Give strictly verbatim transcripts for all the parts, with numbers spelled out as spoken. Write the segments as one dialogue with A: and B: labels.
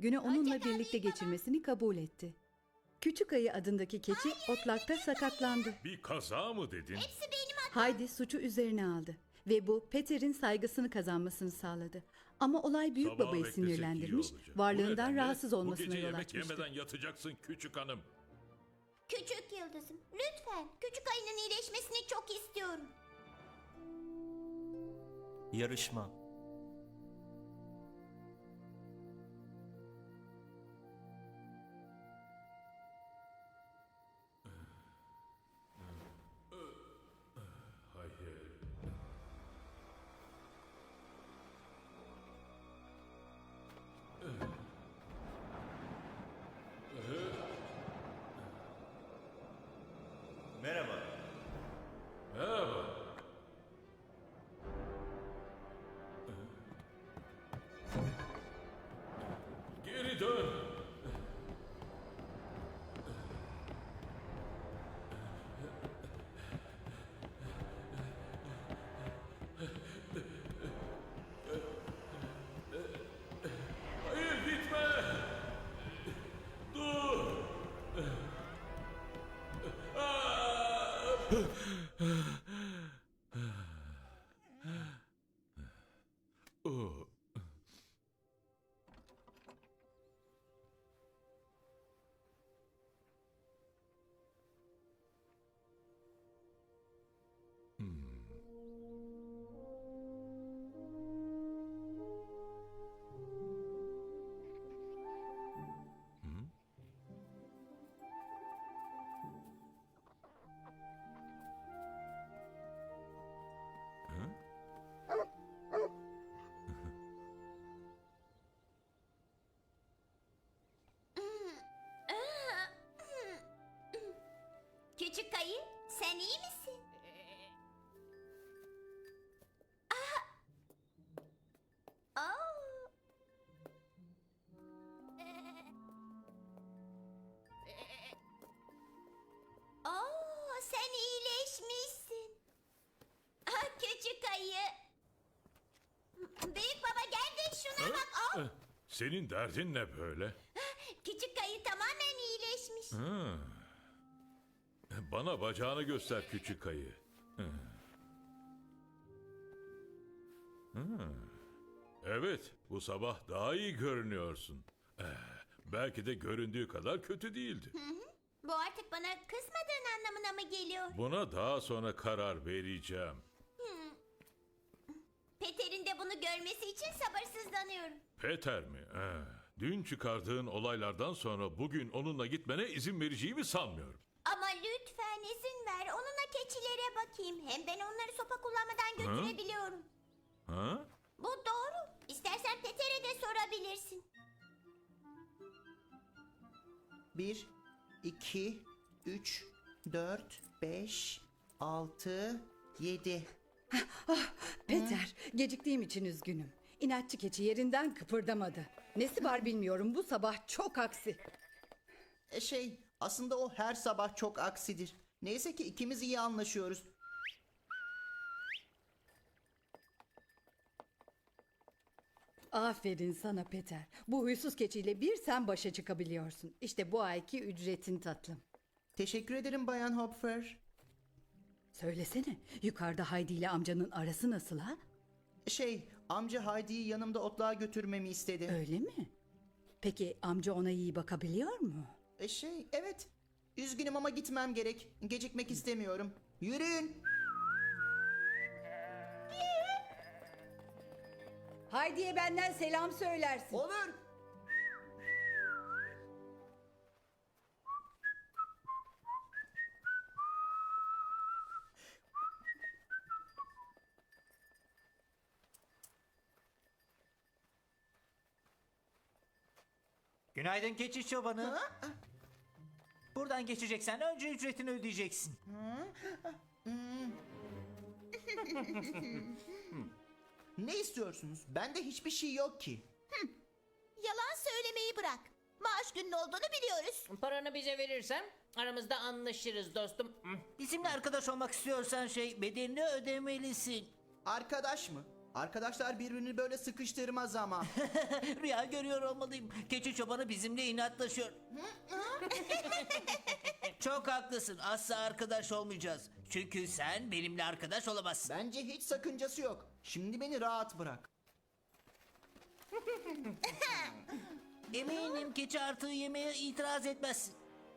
A: günü onunla birlikte geçirmesini kabul etti. Küçük Ayı adındaki keçi otlakta sakatlandı.
B: Bir kaza mı dedin?
C: Hepsi benim hatam.
A: Haydi suçu üzerine aldı ve bu Peter'in saygısını kazanmasını sağladı. Ama olay büyük
B: Sabaha
A: babayı
B: beklesek iyi
A: sinirlendirmiş,
B: olacak. Bu
A: varlığından
B: nedenle
A: rahatsız olmasına
B: Bu gece
A: yol
B: yemek
A: açmıştı.
B: yemeden yatacaksın küçük hanım.
C: Küçük yıldızım, lütfen. Küçük ayının iyileşmesini çok istiyorum.
D: Yarışma.
B: Hayır.
D: Merhaba.
B: Merhaba. Geri dön. Hayır, gitme. Dur. Oh.
C: Küçük ayı, sen iyi misin? Aa! Aa! Oo, sen iyileşmişsin. Ah, küçük ayı. Büyük baba gel de şuna bak. Oh,
B: Eh, Senin derdin ne böyle?
C: küçük ayı tamamen iyileşmiş.
B: Bana bacağını göster küçük ayı. Hı. Hı. Evet, bu sabah daha iyi görünüyorsun. Eh, Belki de göründüğü kadar kötü değildi.
C: Bu artık bana kızmadığın anlamına mı geliyor?
B: Buna daha sonra karar vereceğim.
C: Peter'in de bunu görmesi için sabırsızlanıyorum.
B: Peter mi? Eh, Dün çıkardığın olaylardan sonra bugün onunla gitmene izin vereceğimi sanmıyorum.
C: Ama lütfen izin ver. Onunla keçilere bakayım. Hem ben onları sopa kullanmadan götürebiliyorum.
B: Ha?
C: Bu doğru. İstersen Peter'e de sorabilirsin.
E: Bir, iki, üç, dört, beş, altı, yedi.
A: Peter, geciktiğim için üzgünüm. İnatçı keçi yerinden kıpırdamadı. Nesi var bilmiyorum, bu sabah çok aksi.
E: E şey, aslında o her sabah çok aksidir. Neyse ki ikimiz iyi anlaşıyoruz.
A: Aferin sana Peter. Bu huysuz keçiyle bir sen başa çıkabiliyorsun. İşte bu ayki ücretin tatlım.
E: Teşekkür ederim Bayan Hopfer.
A: Söylesene, yukarıda Haydi ile amcanın arası nasıl ha?
E: Şey, amca Haydi'yi yanımda otluğa götürmemi istedi.
A: Öyle mi? Peki amca ona iyi bakabiliyor mu?
E: E şey, evet. Üzgünüm ama gitmem gerek. Gecikmek istemiyorum. Yürüyün.
A: Haydi'ye benden selam söylersin.
E: Olur.
D: Günaydın keçi çobanı. Buradan geçeceksen önce ücretini ödeyeceksin.
E: Ne istiyorsunuz? Bende hiçbir şey yok ki.
C: Yalan söylemeyi bırak. Maaş günün olduğunu biliyoruz.
F: Paranı bize verirsen aramızda anlaşırız dostum.
D: Bizimle arkadaş olmak istiyorsan şey bedelini ödemelisin.
E: Arkadaş mı? Arkadaşlar birbirini böyle sıkıştırmaz ama.
D: Rüya görüyor olmalıyım. Keçi çobanı bizimle inatlaşıyor. Çok haklısın. Asla arkadaş olmayacağız. Çünkü sen benimle arkadaş olamazsın.
E: Bence hiç sakıncası yok. Şimdi beni rahat bırak.
D: Eminim keçi artığı yemeye itiraz etmezsin.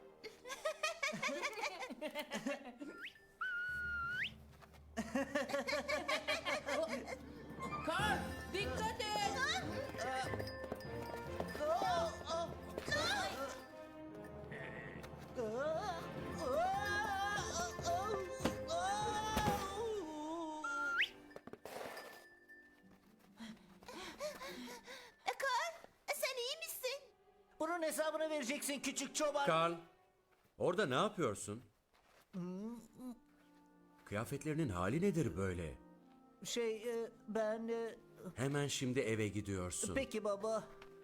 F: Karl, dikkat et.
C: Karl, sen iyi misin?
D: Bunun hesabını vereceksin küçük çoban.
G: Karl, orada ne yapıyorsun? Kıyafetlerinin hali nedir böyle?
D: Şey e, ben... e,
G: Hemen şimdi eve gidiyorsun.
D: Peki baba.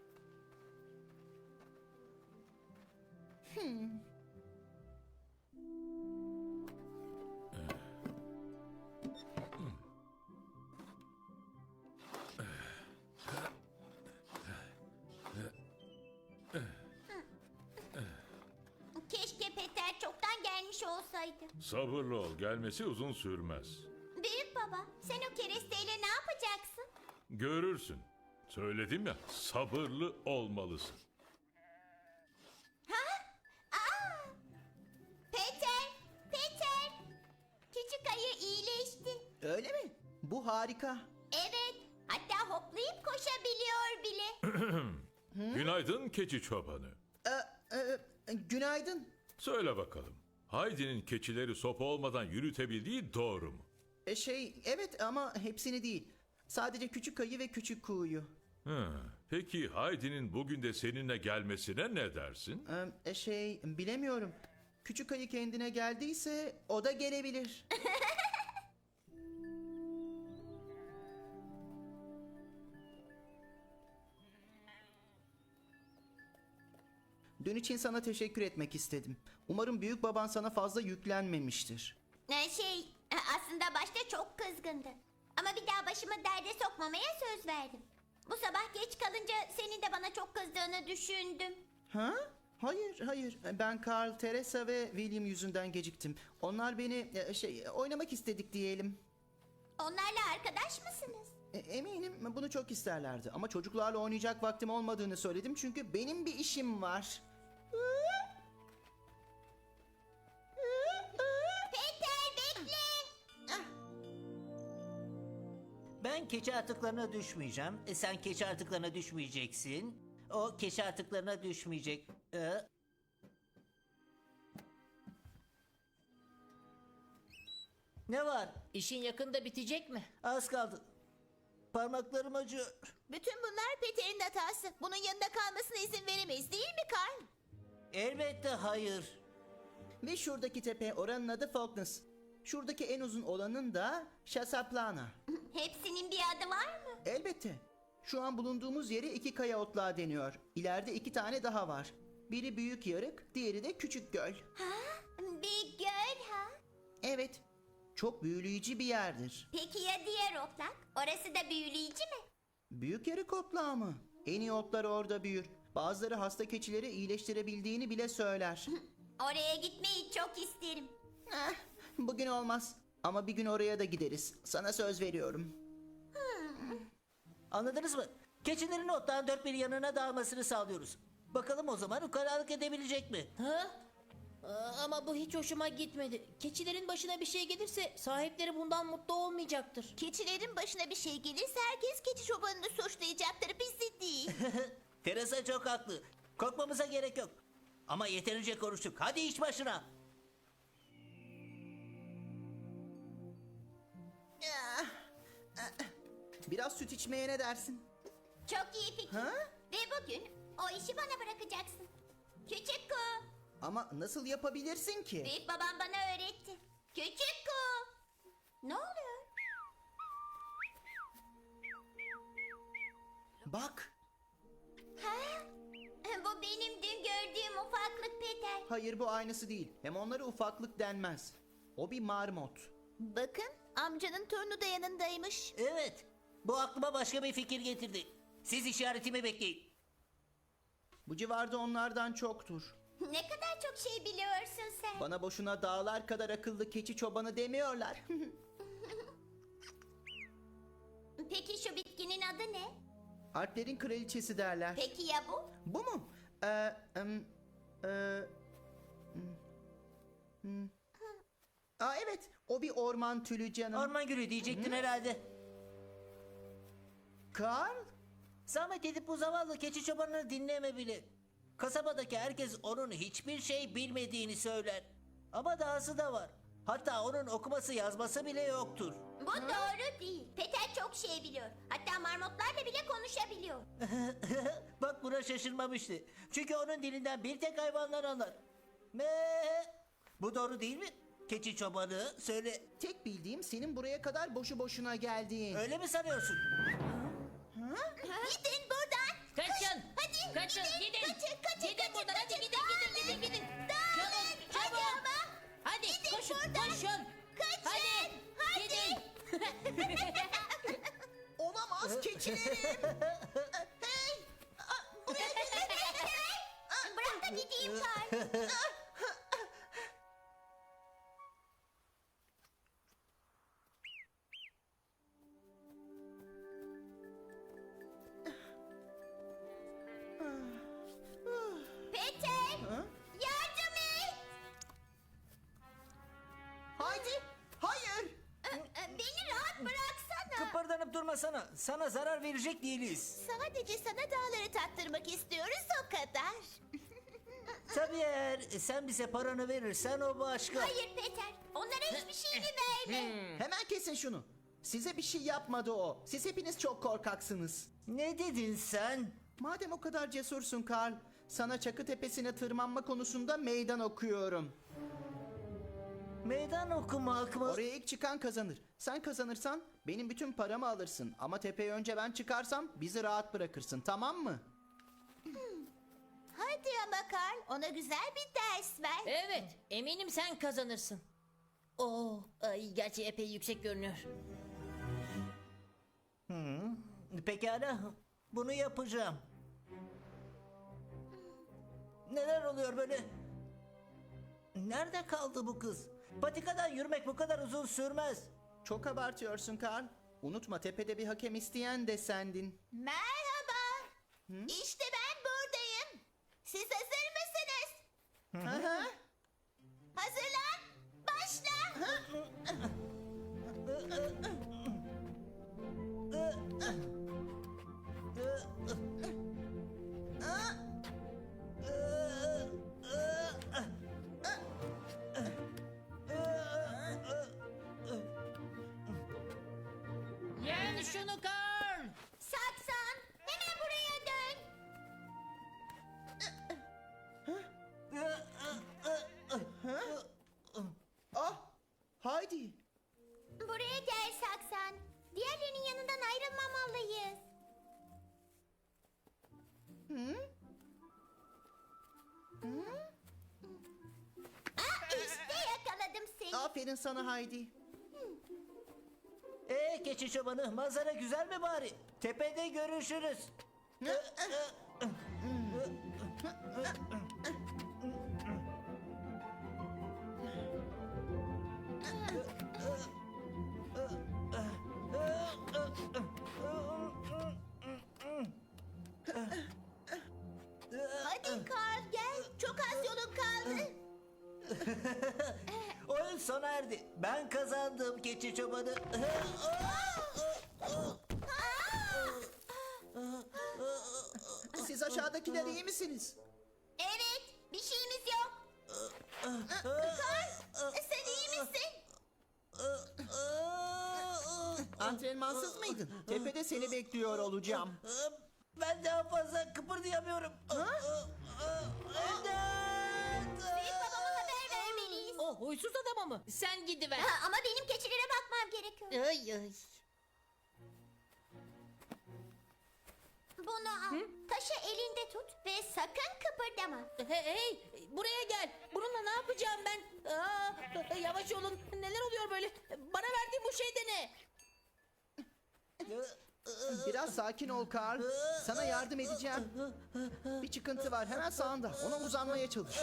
C: Keşke Peter çoktan gelmiş olsaydı.
B: Sabırlı ol, gelmesi uzun sürmez.
C: Büyük baba, sen o keresteyle ne yapacaksın?
B: Görürsün. Söyledim ya, sabırlı olmalısın.
C: Aa! Peter, Peter. Küçük ayı iyileşti.
E: Öyle mi? Bu harika.
C: Evet, hatta hoplayıp koşabiliyor bile.
B: Günaydın keçi çobanı.
E: Ee, e, günaydın.
B: Söyle bakalım. Haydi'nin keçileri sopa olmadan yürütebildiği doğru mu?
E: E, şey evet ama hepsini değil. Sadece küçük ayı ve küçük kuğuyu.
B: Hı, peki Haydi'nin bugün de seninle gelmesine ne dersin?
E: Ee, e, şey bilemiyorum. Küçük ayı kendine geldiyse o da gelebilir. Dün için sana teşekkür etmek istedim. Umarım büyük baban sana fazla yüklenmemiştir.
C: Ee, Şey, aslında başta çok kızgındı. Ama bir daha başımı derde sokmamaya söz verdim. Bu sabah geç kalınca senin de bana çok kızdığını düşündüm.
E: Ha? Hayır, hayır. Ben Carl, Teresa ve William yüzünden geciktim. Onlar beni e, şey oynamak istedik diyelim.
C: Onlarla arkadaş mısınız?
E: E, Eminim bunu çok isterlerdi ama çocuklarla oynayacak vaktim olmadığını söyledim çünkü benim bir işim var.
C: Peter bekle.
D: Ben keçi artıklarına düşmeyeceğim. E, sen keçi artıklarına düşmeyeceksin. O keçi artıklarına düşmeyecek. E, ne var?
F: İşin yakında bitecek mi?
D: Az kaldı. Parmaklarım acıyor.
C: Bütün bunlar Peter'in hatası. Bunun yanında kalmasına izin veremeyiz değil mi Carl?
D: Elbette hayır.
E: Ve şuradaki tepe oranın adı Falkness. Şuradaki en uzun olanın da Chasaplana.
C: Hepsinin bir adı var mı?
E: Elbette. Şu an bulunduğumuz yere iki kaya otlağı deniyor. İleride iki tane daha var. Biri büyük yarık, diğeri de küçük göl.
C: Bir göl ha?
E: Evet, çok büyüleyici bir yerdir.
C: Peki ya diğer otlak? Orası da büyüleyici mi?
E: Büyük yarık otlağı mı? En iyi otlar orada büyür. Bazıları hasta keçileri iyileştirebildiğini bile söyler.
C: Oraya gitmeyi çok isterim.
E: Eh, bugün olmaz. Ama bir gün oraya da gideriz. Sana söz veriyorum.
D: Anladınız mı? Keçilerin ottan dört bir yanına dağılmasını sağlıyoruz. Bakalım o zaman ukalalık edebilecek mi?
F: Ha? Aa, ama bu hiç hoşuma gitmedi. Keçilerin başına bir şey gelirse sahipleri bundan mutlu olmayacaktır.
C: Keçilerin başına bir şey gelirse herkes keçi çobanını suçlayacaktır, bizi değil.
D: Teresa çok haklı. Korkmamıza gerek yok. Ama yeterince konuştuk. Hadi iş başına.
E: Biraz süt içmeye ne dersin?
C: Çok iyi fikir.
E: Ha?
C: Ve bugün o işi bana bırakacaksın. Küçük ku.
E: Ama nasıl yapabilirsin ki?
C: Büyük babam bana öğretti. Küçük ku. Ne oluyor?
E: Bak.
C: Ha? Bu benim dün gördüğüm ufaklık Peter.
E: Hayır bu aynısı değil. Hem onlara ufaklık denmez. O bir marmot.
C: Bakın amcanın torunu da yanındaymış.
D: Evet. Bu aklıma başka bir fikir getirdi. Siz işaretimi bekleyin.
E: Bu civarda onlardan çoktur.
C: Ne kadar çok şey biliyorsun sen.
E: Bana boşuna dağlar kadar akıllı keçi çobanı demiyorlar.
C: Peki şu bitkinin adı ne?
E: Alplerin kraliçesi derler.
C: Peki ya bu?
E: Bu mu? Ee, em, e, hmm, hmm. Aa, evet, o bir orman tülü canım.
D: Orman gülü diyecektin herhalde.
E: Karl?
D: Zahmet edip bu zavallı keçi çobanını dinleme bile. Kasabadaki herkes onun hiçbir şey bilmediğini söyler. Ama dahası da var. Hatta onun okuması yazması bile yoktur.
C: Bu doğru değil. Peter çok şey biliyor. Hatta marmotlarla bile konuşabiliyor.
D: Bak buna şaşırmamıştı. Çünkü onun dilinden bir tek hayvanlar anlar. Me. Bu doğru değil mi? Keçi çobanı söyle.
E: Tek bildiğim senin buraya kadar boşu boşuna geldiğin.
D: Öyle mi sanıyorsun?
C: Gidin buradan.
F: Kaçın.
C: Hadi.
F: Kaçın, gidin.
C: Kaçın, kaçın,
F: Gidin
C: kaçın,
F: buradan, hadi
C: kaçın.
F: gidin, gidin, gidin, gidin.
C: Dağılın.
F: Çabuk, çabuk.
C: Hadi ama.
F: Hadi
C: Gidin
F: koşun,
C: buradan.
F: koşun.
C: Kaçın.
F: Hadi,
C: Hadi.
F: gidin.
E: Olamaz keçilerim. Hey! Aa, buraya gelin.
C: Bırak da gideyim Karl. Peter.
E: Ha?
C: Yardım et.
E: Haydi. Hayır.
C: Beni rahat bıraksana.
D: Kıpırdanıp durmasana. Sana zarar verecek değiliz.
C: Sadece sana dağları tattırmak istiyoruz o kadar.
D: Tabii eğer sen bize paranı verirsen o başka.
C: Hayır Peter. Onlara hiçbir şeyini verme.
E: Hemen kesin şunu. Size bir şey yapmadı o. Siz hepiniz çok korkaksınız.
D: Ne dedin sen?
E: Madem o kadar cesursun Karl, sana Çakı Tepesi'ne tırmanma konusunda meydan okuyorum.
D: Meydan okumak mı?
E: Oraya ilk çıkan kazanır. Sen kazanırsan benim bütün paramı alırsın. Ama tepeye önce ben çıkarsam bizi rahat bırakırsın, tamam mı?
C: Hadi ama Karl, ona güzel bir ders ver.
F: Evet, eminim sen kazanırsın. Oo, ay, gerçi epey yüksek görünüyor.
D: Pekala. Bunu yapacağım. Neler oluyor böyle? Nerede kaldı bu kız? Patikadan yürümek bu kadar uzun sürmez.
E: Çok abartıyorsun Karl. Unutma tepede bir hakem isteyen de sendin.
C: Merhaba. İşte ben buradayım. Siz hazır mısınız?
E: Hı hı.
C: Hazırlan. Başla.
F: Yen şunu Karl.
C: Saksan, hemen buraya dön.
E: Ah, haydi.
C: Buraya gel Saksan. Diğerlerinin yanından ayrılmamalıyız. Aa, işte yakaladım seni.
E: Aferin sana Haydi.
D: Ee keçi çobanı, manzara güzel mi bari? Tepede görüşürüz.
C: Hadi Karl gel. Çok az yolun kaldı.
D: Oyun sona erdi. Ben kazandım keçi çobanı.
E: Siz aşağıdakiler iyi misiniz?
C: Evet, bir şeyimiz yok. Karl, sen iyi misin?
E: Antrenmansız mıydın? Tepede seni bekliyor olacağım.
D: Ben daha fazla kıpırdayamıyorum.
C: Büyük babama haber vermeliyiz.
F: O huysuz adama mı? Sen gidiver.
C: Ha, ama benim keçilere bakmam gerekiyor.
F: Ay ay.
C: Bunu al. Taşı elinde tut ve sakın kıpırdama.
F: Hey, hey, buraya gel. Bununla ne yapacağım ben? Aa, yavaş olun. Neler oluyor böyle? Bana verdiğin bu şey de ne?
E: Biraz sakin ol Karl. Sana yardım edeceğim. Bir çıkıntı var hemen sağında. Ona uzanmaya çalış.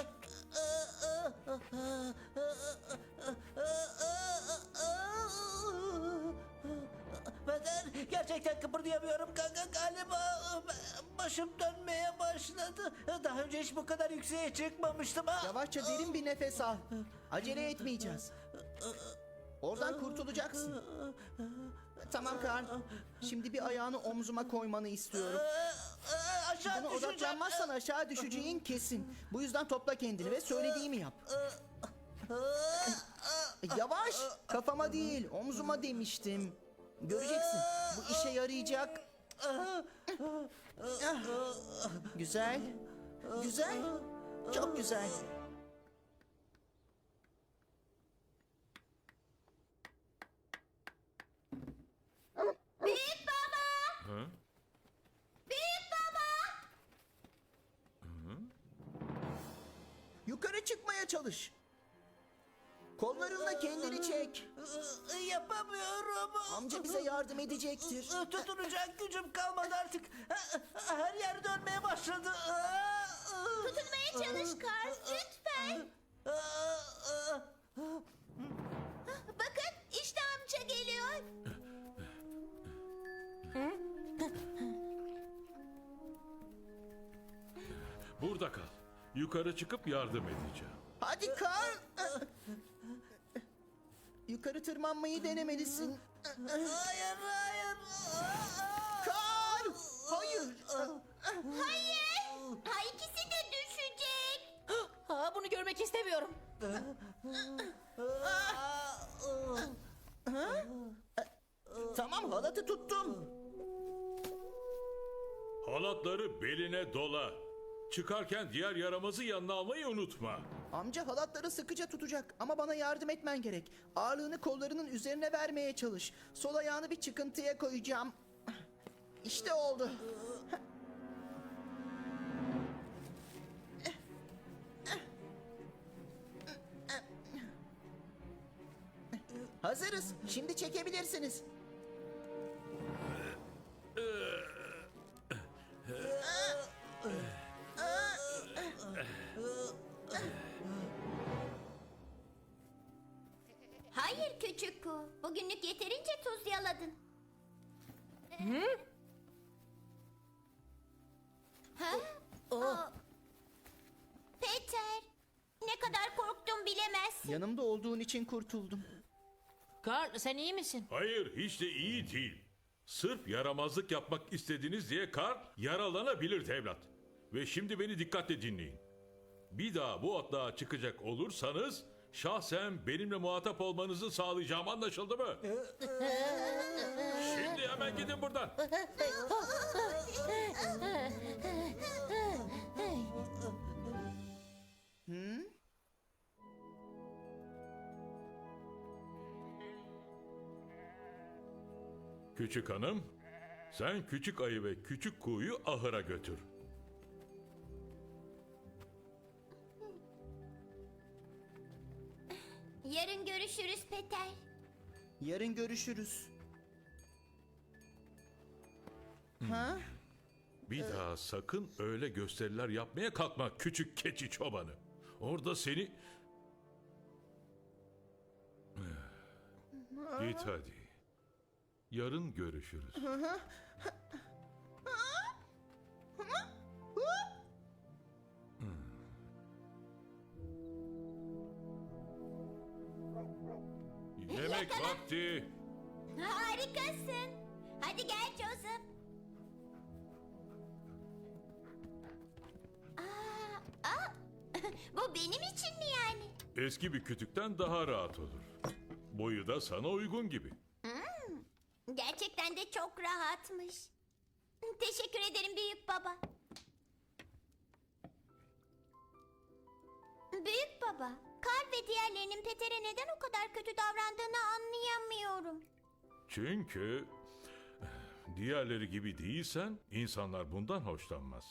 D: Peder, gerçekten kıpırdayamıyorum kanka. Galiba başım dönmeye başladı. Daha önce hiç bu kadar yükseğe çıkmamıştım. Ha?
E: Yavaşça derin bir nefes al. Acele etmeyeceğiz. Oradan kurtulacaksın. Tamam Karl. Şimdi bir ayağını omzuma koymanı istiyorum.
D: Aşağı
E: Buna
D: düşeceğim.
E: odaklanmazsan aşağı düşeceğin kesin. Bu yüzden topla kendini ve söylediğimi yap. Yavaş. Kafama değil, omzuma demiştim. Göreceksin. Bu işe yarayacak. Güzel. Güzel. Çok güzel.
C: Büyük baba!
B: Ha?
C: Büyük baba!
E: Yukarı çıkmaya çalış. Kollarınla kendini çek.
D: Yapamıyorum.
E: Amca bize yardım edecektir.
D: Tutunacak gücüm kalmadı artık. Her yer dönmeye başladı.
C: Tutunmaya çalış Karl, lütfen. Bakın, işte amca geliyor.
B: Burada kal. Yukarı çıkıp yardım edeceğim.
E: Hadi Karl. Yukarı tırmanmayı denemelisin.
D: Hayır, hayır.
E: Karl! Hayır.
C: Hayır, ha ikisi de düşecek.
F: Ha, bunu görmek istemiyorum.
E: Tamam halatı tuttum.
B: Halatları beline dola. Çıkarken diğer yaramazı yanına almayı unutma.
E: Amca halatları sıkıca tutacak ama bana yardım etmen gerek. Ağırlığını kollarının üzerine vermeye çalış. Sol ayağını bir çıkıntıya koyacağım. İşte oldu. Hazırız. Şimdi çekebilirsiniz.
C: Hayır küçük ku, bugünlük yeterince tuz yaladın. Ha? Aa. Peter, ne kadar korktum bilemezsin.
E: Yanımda olduğun için kurtuldum.
F: Karl, sen iyi misin?
B: Hayır, hiç de iyi değil. Sırf yaramazlık yapmak istediniz diye Karl yaralanabilir evlat. Ve şimdi beni dikkatle dinleyin. Bir daha bu atlığa çıkacak olursanız şahsen benimle muhatap olmanızı sağlayacağım, anlaşıldı mı? Şimdi hemen gidin buradan. Küçük hanım, sen küçük ayı ve küçük kuğuyu ahıra götür.
C: Yarın görüşürüz Peter.
E: Yarın görüşürüz. Ha?
B: Bir daha sakın öyle gösteriler yapmaya kalkma küçük keçi çobanı. Orada seni... Git hadi. Yarın görüşürüz. Yemek vakti.
C: Harikasın. Hadi gel Joseph. Aa, aa. Bu benim için mi yani?
B: Eski bir kütükten daha rahat olur. Boyu da sana uygun gibi.
C: Gerçekten de çok rahatmış. Teşekkür ederim büyük baba. Büyük baba, Karl ve diğerlerinin Peter'e neden o kadar kötü davrandığını anlayamıyorum.
B: Çünkü diğerleri gibi değilsen insanlar bundan hoşlanmaz.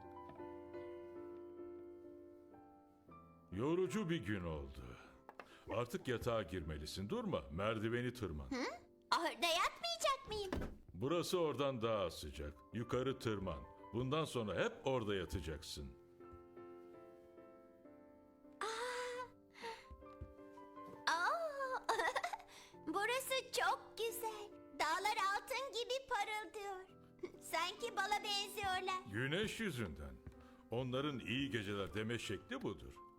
B: Yorucu bir gün oldu. Artık yatağa girmelisin. Durma, merdiveni tırman.
C: Ahırda yatmayacak mıyım?
B: Burası oradan daha sıcak. Yukarı tırman. Bundan sonra hep orada yatacaksın.
C: Aa, burası çok güzel. Dağlar altın gibi parıldıyor. Sanki bala benziyorlar.
B: Güneş yüzünden. Onların iyi geceler deme şekli budur.